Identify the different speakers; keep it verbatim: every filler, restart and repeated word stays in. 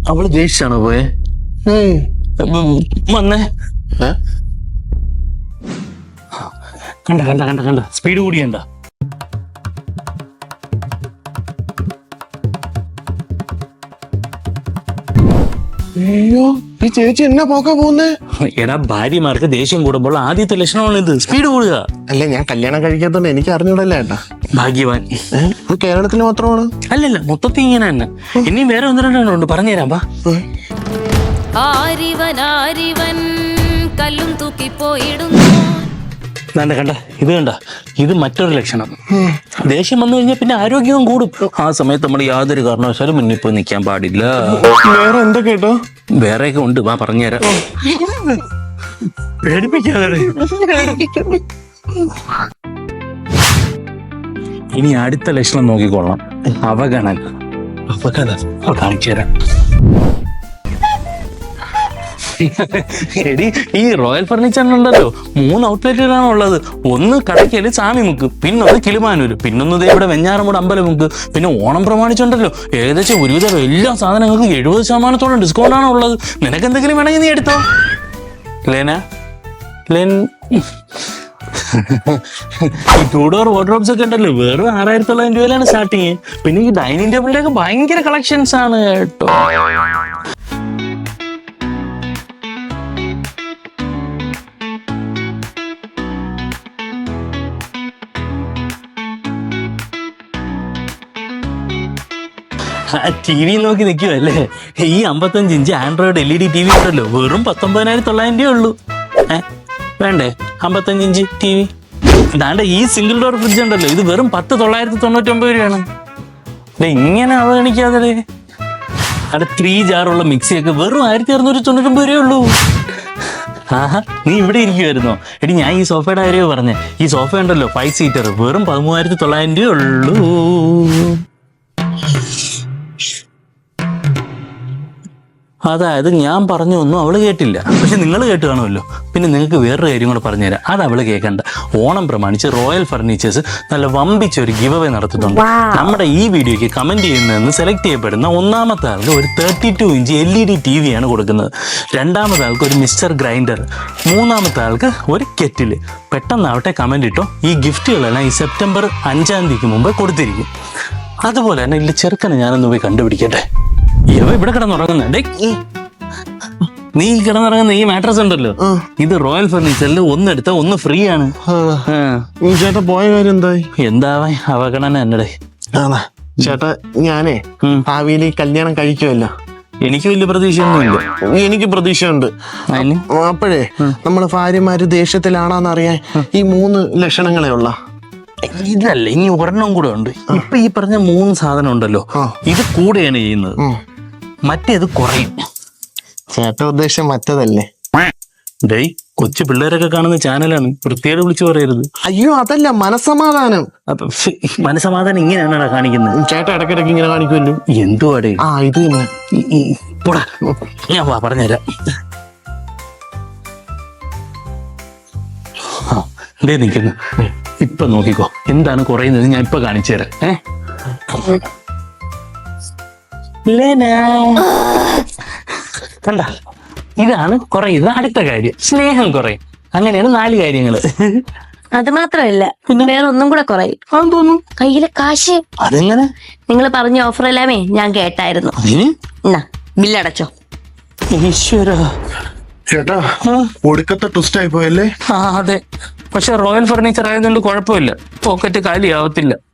Speaker 1: അവള് ദേഷ്യാണോ പോയെ? വന്നേ കണ്ട കണ്ട കണ്ട കണ്ട സ്പീഡ് കൂടിയണ്ട.
Speaker 2: അയ്യോ ഈ ചേച്ചി എന്നാ പോക്കാ പോകുന്നേ?
Speaker 1: എടാ ഭാര്യമാർക്ക് ദേഷ്യം കൂടുമ്പോൾ ആദ്യത്തെ ലക്ഷണമാണ് ഇത്, സ്പീഡ് കൂടുക.
Speaker 2: അല്ല ഞാൻ കല്യാണം കഴിക്കാത്തോണ്ട് എനിക്ക് അറിഞ്ഞൂടല്ലേ ഏട്ടാ.
Speaker 1: ഭാഗ്യവാൻ.
Speaker 2: ഇത് കേരളത്തിൽ മാത്രമാണ്?
Speaker 1: അല്ലല്ല മൊത്തത്തിൽ ഇങ്ങനെ തന്നെ. ഇനിയും വേറെ ഒന്ന് രണ്ടെണ്ണം പറഞ്ഞുതരാം. ബാ.
Speaker 3: ആരിവൻ ആരിവൻ കല്ലും തൂക്കി പോയിടുന്നു.
Speaker 1: കണ്ട കണ്ട ഇത് കണ്ട, ഇത് മറ്റൊരു ലക്ഷണം. ദേഷ്യം വന്നു കഴിഞ്ഞാൽ പിന്നെ ആരോഗ്യവും കൂടും. ആ സമയത്ത് നമ്മൾ യാതൊരു കാരണവശാലും മുന്നിൽ പോയി നിൽക്കാൻ പാടില്ല.
Speaker 2: വേറെ എന്തൊക്കെ കേട്ടോ?
Speaker 1: വേറെയൊക്കെ ഉണ്ട്, വാ പറഞ്ഞുതരാം. പേടിപ്പിക്കാതെ. ഇനി അടുത്ത ലക്ഷണം നോക്കിക്കൊള്ളാം. അവഗണന. അവഗണന കാണിച്ചു തരാം. എടി ഈ റോയൽ ഫർണിച്ചറിനുണ്ടല്ലോ മൂന്ന് ഔട്ട്ലെറ്റുകളാണ് ഉള്ളത്. ഒന്ന് കടയ്ക്കല് സാമിമുക്ക്, പിന്നൊന്ന് കിളിമാനൂര്, പിന്നൊന്ന് ദേ ഇവിടെ വെഞ്ഞാറമൂട് അമ്പലമുക്ക്. പിന്നെ ഓണം പ്രമാണിച്ചുണ്ടല്ലോ ഏകദേശം ഒരുവിധം എല്ലാ സാധനങ്ങൾക്കും എഴുപത് ശതമാനത്തോളം ഡിസ്കൗണ്ട് ആണ് ഉള്ളത്. നിനക്ക് എന്തെങ്കിലും വേണമെങ്കിൽ നീ എടുത്തോ. ലേന ലേൻ ഈ ടൂ ഡോർ വാർഡ്രോബ്സ് ഒക്കെ ഉണ്ടല്ലോ വെറും ആറായിരത്തി തൊള്ളായിരം രൂപയിലാണ് സ്റ്റാർട്ടിങ്. പിന്നെ ഈ ഡൈനിങ് ടേബിളിന്റെ ഒക്കെ ഭയങ്കര കളക്ഷൻസ് ആണ് കേട്ടോ. ടി വി നോക്കി നിൽക്കുവല്ലേ? ഈ അമ്പത്തഞ്ച് ഇഞ്ച് ആൻഡ്രോയിഡ് എൽ ഇ ഡി ടി വി ഉണ്ടല്ലോ വെറും പത്തൊമ്പതിനായിരത്തി തൊള്ളായിരം രൂപ ഉള്ളൂ. ഏഹ് വേണ്ടേ അമ്പത്തഞ്ച് ഇഞ്ച് ടി വി? ഇതാണ്ട് ഈ സിംഗിൾ ഡോർ ഫ്രിഡ്ജ് ഉണ്ടല്ലോ ഇത് വെറും പത്ത് തൊള്ളായിരത്തി തൊണ്ണൂറ്റി ഒമ്പത് രൂപയാണ്. അല്ലെ ഇങ്ങനെ അവഗണിക്കാതെ. അവിടെ ത്രീ ജാറുള്ള മിക്സിയൊക്കെ വെറും ആയിരത്തി അറുന്നൂറ്റി തൊണ്ണൂറ്റൊമ്പത് രൂപയേ ഉള്ളൂ. ആഹാ നീ ഇവിടെ ഇരിക്കുമായിരുന്നോ? എടി ഞാൻ ഈ സോഫയുടെ കാര്യമോ പറഞ്ഞേ. ഈ സോഫ ഉണ്ടല്ലോ ഫൈവ് സീറ്റർ വെറും പതിമൂവായിരത്തി തൊള്ളായിരം രൂപയേ ഉള്ളൂ. അതായത് ഞാൻ പറഞ്ഞു ഒന്നും അവള് കേട്ടില്ല, പക്ഷെ നിങ്ങൾ കേട്ട് കാണുമല്ലോ. പിന്നെ നിങ്ങൾക്ക് വേറൊരു കാര്യം കൂടെ പറഞ്ഞുതരാം, അത് അവള് കേൾക്കണ്ട. ഓണം പ്രമാണിച്ച് റോയൽ ഫർണിച്ചേഴ്സ് നല്ല വമ്പിച്ച ഒരു ഗിവ് അവേ നടത്തുന്നുണ്ട്. നമ്മുടെ ഈ വീഡിയോയ്ക്ക് കമന്റ് ചെയ്യുന്നതെന്ന് സെലക്ട് ചെയ്യപ്പെടുന്ന ഒന്നാമത്തെ ആൾക്ക് ഒരു thirty two inch LED TV ഡി ടി വി ആണ് കൊടുക്കുന്നത്. രണ്ടാമത്തെ ആൾക്ക് ഒരു മിക്സർ ഗ്രൈൻഡർ, മൂന്നാമത്തെ ആൾക്ക് ഒരു കെറ്റില്. പെട്ടെന്നാവട്ടെ കമന്റ് ഇട്ടോ. ഈ ഗിഫ്റ്റുകളെല്ലാം ഈ സെപ്റ്റംബർ അഞ്ചാം തീയതിക്ക് മുമ്പ് കൊടുത്തിരിക്കും. അതുപോലെ തന്നെ ഇല്ല ചെറുക്കനെ ഞാനൊന്ന് പോയി കണ്ടുപിടിക്കട്ടെ. ഇവ ഇവിടെ കിടന്നുറങ്ങുന്നുണ്ടേ. നീ കിടന്നുറങ്ങുന്ന ഈ മാട്രസ് ഉണ്ടല്ലോ ഇത് റോയൽ ഫർണിച്ചറിൽ ഒന്നെടുത്ത ഒന്ന് ഫ്രീ ആണ്.
Speaker 2: ചേട്ടാ പോയ കാര്യം എന്തായി?
Speaker 1: എന്താവാ അവഗണന എന്നടേ.
Speaker 2: ചേട്ടാ ഞാനേ ഭാവിയിൽ ഈ കല്യാണം കഴിക്കുമല്ലോ.
Speaker 1: എനിക്ക് വലിയ പ്രതീക്ഷയൊന്നുമില്ല.
Speaker 2: എനിക്ക് പ്രതീക്ഷയുണ്ട്. അപ്പോഴേ നമ്മള് ഭാര്യമാര് ദേഷ്യത്തിലാണോന്ന് അറിയാൻ ഈ മൂന്ന് ലക്ഷണങ്ങളെ ഉള്ള.
Speaker 1: ഇതല്ല ഇനി ഒരെണ്ണം കൂടെ ഉണ്ട്. ഇപ്പൊ ഈ പറഞ്ഞ മൂന്ന് സാധനം ഉണ്ടല്ലോ ഇത് കൂടെയാണ് ചെയ്യുന്നത്, മറ്റേത് കുറയും.
Speaker 2: ചേട്ട ഉദ്ദേശം മറ്റതല്ലേ?
Speaker 1: ഡേയ് കൊച്ചു പിള്ളേരൊക്കെ കാണുന്ന ചാനലാണ്, വൃത്തിയോട് വിളിച്ചു പറയരുത്.
Speaker 2: അയ്യോ അതല്ല മനസമാധാനം.
Speaker 1: അപ്പൊ മനസമാധാനം ഇങ്ങനെയാണോ കാണിക്കുന്നത്?
Speaker 2: ചേട്ട ഇടയ്ക്കിടയ്ക്ക് ഇങ്ങനെ കാണിക്കുമല്ലോ.
Speaker 1: എന്തുവാടേ?
Speaker 2: ആ ഇത്
Speaker 1: പോടാ ഞാൻ വാ പറഞ്ഞുതരാം. ഡേ നിൽക്കുന്നു ഇപ്പൊ നോക്കിക്കോ എന്താണ് കുറയുന്നത് ഞാൻ ഇപ്പൊ കാണിച്ചു തരാം. ഏഹ് കണ്ട ഇതാണ് കുറയുന്നത്. അടുത്ത കാര്യം സ്നേഹം കുറയും. അങ്ങനെയാണ് നാല് കാര്യങ്ങള്.
Speaker 3: അത് മാത്രമല്ല വേറെ ഒന്നും കൂടെ കുറയും.
Speaker 1: തോന്നുന്നു
Speaker 3: കയ്യിലെ കാശ്.
Speaker 1: അതെങ്ങനെ?
Speaker 3: നിങ്ങൾ പറഞ്ഞ ഓഫർ എല്ലാമേ ഞാൻ കേട്ടായിരുന്നു. എന്നാ ബില്ലടച്ചോ.
Speaker 1: ഈശ്വര
Speaker 2: ചേട്ടാ ഒടുക്കത്തെ ട്വിസ്റ്റ് ആയി പോയല്ലേ?
Speaker 1: ആ അതെ, പക്ഷെ റോയൽ ഫർണിച്ചർ ആയതുകൊണ്ട് കുഴപ്പമില്ല, പോക്കറ്റ് കാലിയാവത്തില്ല.